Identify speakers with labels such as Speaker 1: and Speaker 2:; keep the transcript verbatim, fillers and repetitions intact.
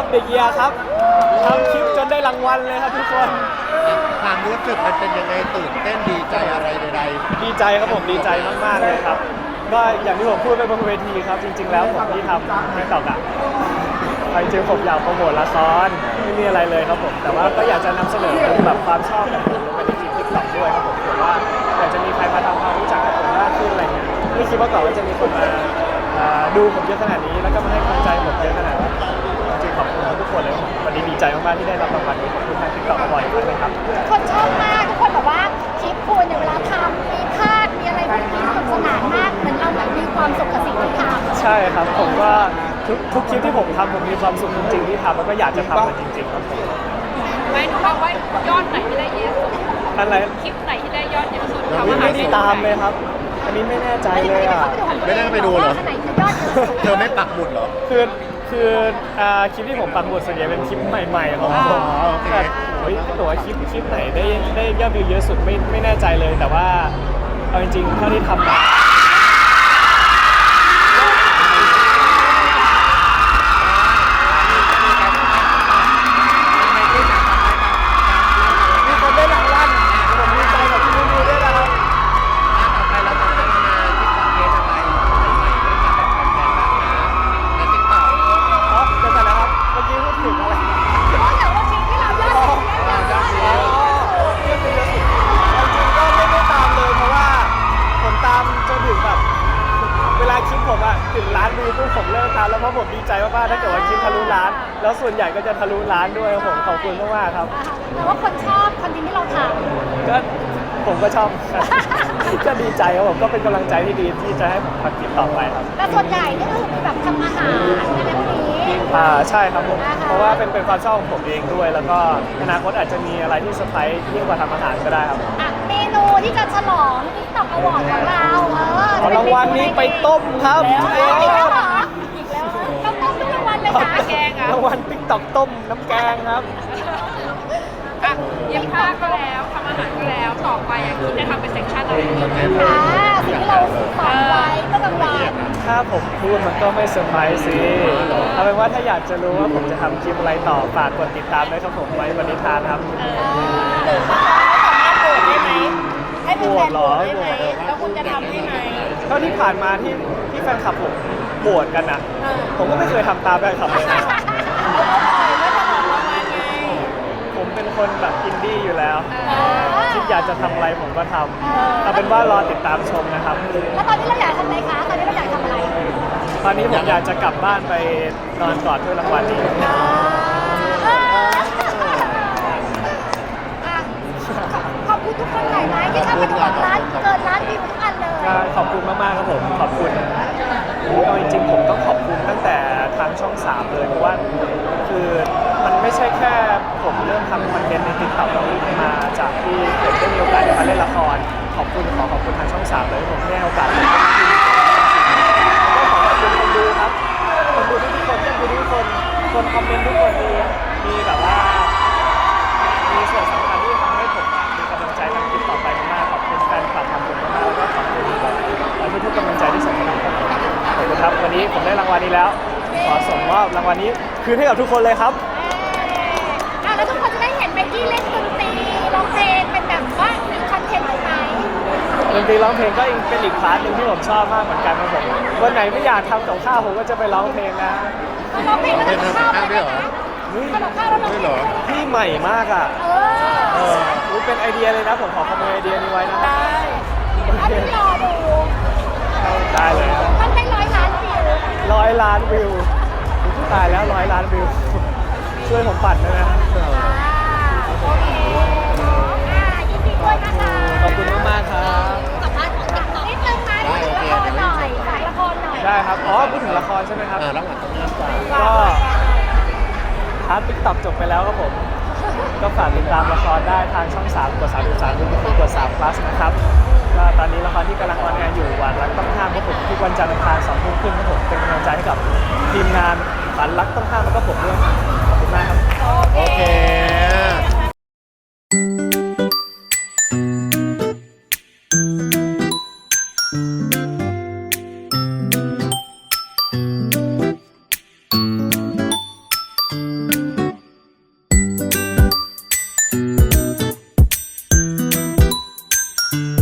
Speaker 1: เด็กเยียครับทำคลิปจนได้รางวัลเลยครับทุกคน
Speaker 2: ความรู้สึกมันเป็นยังไงตื่นเต้นดีใจอะไรใด
Speaker 1: ดีใจครับผมดีใจมากๆเลยครับก็อย่างที่ผมพูดไปบนเวทีครับจริงๆแล้วผมที่ทำติ๊กต็อกอะจริงๆผมอยากโปรโมทละครไม่มีอะไรเลยครับผมแต่ว่าก็อยากจะนำเสนอแบบความชอบของผมลงไปในคลิปติ๊กต็อกด้วยครับผมเผื่อว่าอยากจะมีใครมาทำความรู้จักกับผมมากขึ้นอะไรเงี้ยไม่คิดว่าก่อนว่าจะมีคนมาดูผมเยอะขนาดนี้แล้วก็มาให้กำลังใจผมเยอะขนาดนี้จริงๆขอบคุณทุกคนเลยวันนี้ดีใจมากๆที่ได้รับรางวัลนี้ขอบคุณทางติ๊กต็อกบ่อยมากเลยครับ
Speaker 3: คนชอบมากทุกคนบอกว่าคลิปคุณเนี่ยเวลาทำมีพลาดมีอะไรแบบนี้สนุกสนานมากเหมือนเราแบบมีความสุขกับสิ่งที่ทำ
Speaker 1: ใช่ครับผมว่าทุกทุกคลิปที่ผมทำผมมีความสุขจริงๆที่ทำแล้วก็อยากจะทำมันจริงๆครับผม
Speaker 4: ไม่รู้ว่ายอดไหนที่ได้เยอะสุด
Speaker 1: อะไร
Speaker 4: คลิปไหนที่ได้ยอดเยอะสุดทำอา
Speaker 1: ไม่
Speaker 4: หาร
Speaker 1: ได้ตามเลยครับอันนี้ไม่แน่ใจเลยอ่ะ
Speaker 2: ไม่ได้ไปดูเหรอเธอไม่ปักหมุดเหรอ
Speaker 1: คือคืออ่าคลิปที่ผมปักหมุดส่วนใหญ่เป็นคลิปใหม่ๆของผมแต่โอ้ยถ้าเกิดว่าคลิปคลิปไหนได้ได้ยอดวิวเยอะสุดไม่ไม่แน่ใจเลยแต่ว่าเอาจริงๆเท่าที่ทำมาถึงล้านวิวปุ๊บผมเลิกทำแล้วเพราะผมดีใจมากๆถ้าเกิดว่าคลิปทะลุล้านแล้วส่วนใหญ่ก็จะทะลุล้านด้วยผมขอบคุณมากๆครับ
Speaker 3: แต่ว่าคนชอบคอนเทนต์ที่เราทำ
Speaker 1: ก็ผมก็ชอบก็ดีใจครับผมก็เป็นกำลังใจที่ดีที่จะให้ผมทำคลิปต่อไปครับ
Speaker 3: แต่ส่วนใหญ่นี่ก็คือแบบทำอาหารอะไรพวกนี้
Speaker 1: อ่าใช่ครับผมเพราะว่าเป็นเป็นความชอบของผมเองด้วยแล้วก็อนาคตอาจจะมีอะไรที่เซอร์ไพรส์ยิ่งกว่าทำอาหารก็ได้ครับ
Speaker 3: เมนูที่จะฉลองติ๊กต็อกอวอร์ดของเราเออ
Speaker 1: รางวัลนี้ไปต้มครับ
Speaker 3: อีกแล้วเหรออีกแล้วต้องต้มทุกรางวัลเลยนะ
Speaker 4: แกงอ่ะ
Speaker 1: รางวัลติ๊กต็อกต้มน้ำแกงครับ
Speaker 4: อ่ะเย็บผ้าก็แล้วทำอาหารก็แล้วต่อไปอ่ะคิดจะทำเป็นเซสชั่นอะไร
Speaker 3: ค่ะสิ่งที่เราฝันไว้เมื่อกลางวัน
Speaker 1: ถ้าผมพูดมันก็ไม่เซอร์ไพรส์สิเอาเป็นว่าถ้าอยากจะรู้ว่าผมจะทำคลิปอะไรต่อฝากกดติดตามด้วยครับผมไว้วันนี้ทานครับ
Speaker 3: หรือว่าสามารถโหวตได้ไหมให้เป็นแฟนโหวตได้ไหมแล้วคุณจะทำได้ไหม
Speaker 1: เท่าที่ผ่านมาที่ที่แฟนคลับผมโหวตกันอ่ะผมก็ไม่เคยทำตามแฟนคลับเลยผมเป็นคนแบบอินดี้อยู่แล้วคิดอยากจะทำอะไรผมก็ทำเอาเป็นว่ารอติดตามชมนะครับ
Speaker 3: แล้วตอนนี้เราอยากทำอะไรคะตอนนี้เราอยากทำอะไร
Speaker 1: ตอนนี้ผมอยากจะกลับบ้านไปนอนกอดถ้วยรางวัลนี้
Speaker 3: ขอบคุณทุกคนหลายๆที่เข้ามาดูร้านเกินร้านวิวทุกอันเลย
Speaker 1: ขอบคุณมากๆครับผมขอบคุณเอาจริงๆผมต้องขอบคุณตั้งแต่ทางช่องสามเลยเพราะว่าคือมันไม่ใช่แค่ผมเริ่มทำคอนเทนต์ในติ๊กต็อกมาจากที่ผมได้มีโอกาสได้มาเล่นละครขอบคุณขอขอบคุณทางช่องสามเลยผมได้โอกาสก็ขอขอบคุณคนดูครับคนดูทุกคนคนดูทุกคนคนคอมเมนต์ทุกคนมีมีแบบว่ามีส่วนสำคัญที่ทำให้ผมมีกำลังใจทำคลิปต่อไปมากขอบคุณแฟนคลับทำผมมากแล้วก็ขอบคุณทุกๆกำลังใจที่ส่งมาให้ผมขอบคุณครับวันนี้ผมได้รางวัลนี้แล้วขอส่งมอบรางวัลนี้คืนให้กับทุกคนเลยครับ
Speaker 3: แล้วทุกคนจะได้เห็นไมกี้เล่นดนตรีร้องเพลงเป็นแบบว่ามีคอนเทนต์ไหม
Speaker 1: ดนตรีร้องเพลงก็เป็นอีกพาร์ทหนึ่งที่ผมชอบมากเหมือนกันครับผมวันไหนไม่อยากทำกับข้าวผมก็จะไปร้องเพลงนะ
Speaker 3: ร้องเพลงแล้วทำข้าวด้วยเหรอทำข้าวแล้วร้องเพลง
Speaker 1: พี่ใหม่มากอ่ะเออเป็นไอเดียเลยนะผมขอขโมยไอเดียนี้ไว้นะ
Speaker 3: ได้อันนี้รอดู
Speaker 1: ได้เลย
Speaker 3: มันได้ร้อยล้านวิว
Speaker 1: ร้อยล้านวิวตายแล้วร้อยล้านวิวช่วยผมปั่นด้วยนะ
Speaker 3: โอเคยินดีด้วยนะคะ
Speaker 1: ขอบคุณมากครับ
Speaker 3: สัมภาษณ์ของติ๊กต็อกนิดนึงนะพูดถึงละครหน่อยขายละครหน่อย
Speaker 1: ได้ครับอ๋อพูดถึงละครใช่ไหมครับ
Speaker 2: แล้วหลังจากนี้
Speaker 1: ก็พาร์ทติ๊กต็อกจบไปแล้วครับผมก็ฝากติดตามละครได้ทางช่องสามกดสามสิบสามกดสาม plus นะครับก็ตอนนี้ละครที่กำลังออนแอร์อยู่วันรักต้องห้ามครับผมทุกวันจันทร์อังคารสองทุ่มครึ่งครับผมเป็นกำลังใจให้กับทีมงานฝันรักต้องห้ามแล้วก็ผมด้วยขอบคุณมากครับ
Speaker 2: โอเค
Speaker 3: ะ